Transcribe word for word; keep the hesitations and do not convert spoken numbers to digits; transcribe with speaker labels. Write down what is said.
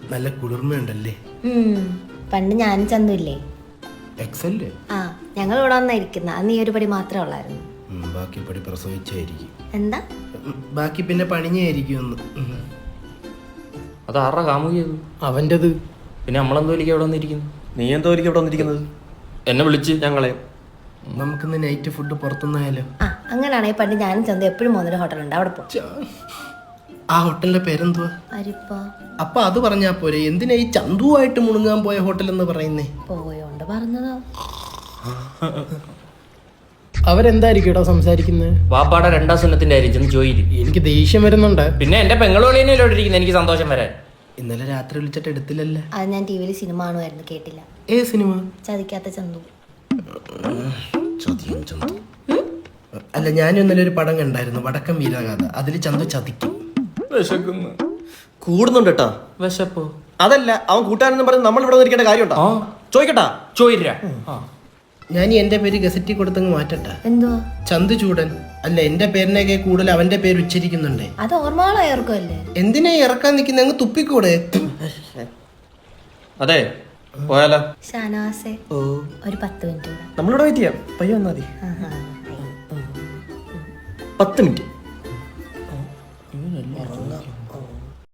Speaker 1: നല്ല കുളിർമയുണ്ടല്ലേ.
Speaker 2: പണ്ട് ഞാനും ചന്തുല്ലേ
Speaker 1: എക്സല്ലേ?
Speaker 2: ആ ഞങ്ങൾ ഇവിടെ വന്നായിരിക്കുന്ന അന്ന് ഈ ഒരു പടി മാത്രമേ ഉള്ളായിരുന്നു.
Speaker 1: ബാക്കി പടി പ്രസവിച്ചായിരിക്കും.
Speaker 2: എന്താ
Speaker 1: ബാക്കി പിന്നെ പണിഞ്ഞായിരിക്കും.
Speaker 3: അത് ആരുടെ കാമുകിയത്?
Speaker 4: അവൻ്റെത്.
Speaker 3: പിന്നെ നമ്മളെന്തോ വലിയ ഇവിടെ വന്നിരിക്കുന്നു.
Speaker 5: നീ എന്തോ വലിയ ഇവിടെ വന്നിരിക്കുന്നത്?
Speaker 3: എന്നെ വിളിച്ച് ഞങ്ങളെ.
Speaker 1: നമുക്കിന്ന് നൈറ്റ് ഫുഡ് പുറത്തുനിന്നായാലോ?
Speaker 2: ആ അങ്ങനെയാണെങ്കിൽ പണ്ട് ഞാനും ചന്തു എപ്പോഴും പോകുന്നൊരു ഹോട്ടലുണ്ട്, അവിടെ പോകും.
Speaker 1: ആ ഹോട്ടലിന്റെ പേരെന്തുവാ?
Speaker 2: അരിപ്പോ.
Speaker 1: അപ്പൊ അത് പറഞ്ഞാ പോരെ, എന്തിനാ ഈ ചന്തുവായിട്ട് മുണുങ്ങാൻ പോയ ഹോട്ടൽ എന്ന് പറയുന്നേ?
Speaker 2: പോയോണ്ട് പറഞ്ഞതോ.
Speaker 4: അവരെന്തായിരിക്കും കേട്ടോ സംസാരിക്കുന്നത്?
Speaker 3: വാപ്പാടെ രണ്ടാം സുന്നത്തിന്റെ കാര്യം ചെന്ന് ചോദിയില്ല.
Speaker 4: എനിക്ക് ദേഷ്യം വരുന്നുണ്ട്.
Speaker 3: പിന്നെ എന്റെ പെങ്ങളോളിയല്ലോ ഇരിക്കുന്നത്, എനിക്ക് സന്തോഷം വരാൻ.
Speaker 1: ഇന്നലെ രാത്രി വിളിച്ചിട്ട് എടുത്തില്ലല്ലേ?
Speaker 2: അത് ഞാൻ ടി വിയിൽ സിനിമ കാണുമായിരുന്നു, കേട്ടില്ല.
Speaker 1: ഏ സിനിമ?
Speaker 2: ചതിക്കാത്ത ചന്തു.
Speaker 1: ചതിയും ചന്തു. അല്ല, ഞാനും ഇന്നലെ ഒരു പടം കണ്ടായിരുന്നു, വടക്കം വീരഗാഥ. അതില് ചന്തു ചതിക്കും.
Speaker 3: വിശക്കുന്നു.
Speaker 5: കൂടുന്നുണ്ട് കേട്ടാ.
Speaker 3: വിശപ്പോ?
Speaker 5: അതല്ല, അവൻ കൂട്ടാനെന്ന് പറഞ്ഞ് നമ്മൾ ഇവിടെ ഇരിക്കേണ്ട കാര്യമുണ്ടോ? ചോദിക്കട്ടാ?
Speaker 3: ചോദിരാ.
Speaker 1: ഞാൻ എന്റെ പേര് ഗസറ്റി കൊടുത്തങ്ങ് മാറ്റട്ടാ.
Speaker 2: എന്തുവാ?
Speaker 1: ചന്തു ചൂടൻ. അല്ല, എന്റെ പേരിനൊക്കെ കൂടുതൽ അവന്റെ പേര് ഉച്ചരിക്കുന്നുണ്ടേ.
Speaker 2: അത് ഓർമ്മകളോ ഏർക്കുമല്ലേ?
Speaker 1: എന്തിനാ ഇറക്കാൻ നിൽക്കുന്ന? അങ്ങ് തുപ്പിക്കൂടെ?
Speaker 3: അതെ, പോയാലോ?
Speaker 2: ഷാനവാസേ, ഒരു പത്ത് മിനിറ്റ്.
Speaker 5: നമ്മളിവിടെ വെയിറ്റ് ചെയ്യാം. പയ്യ വന്നാ മതി. പത്ത് മിനിറ്റ്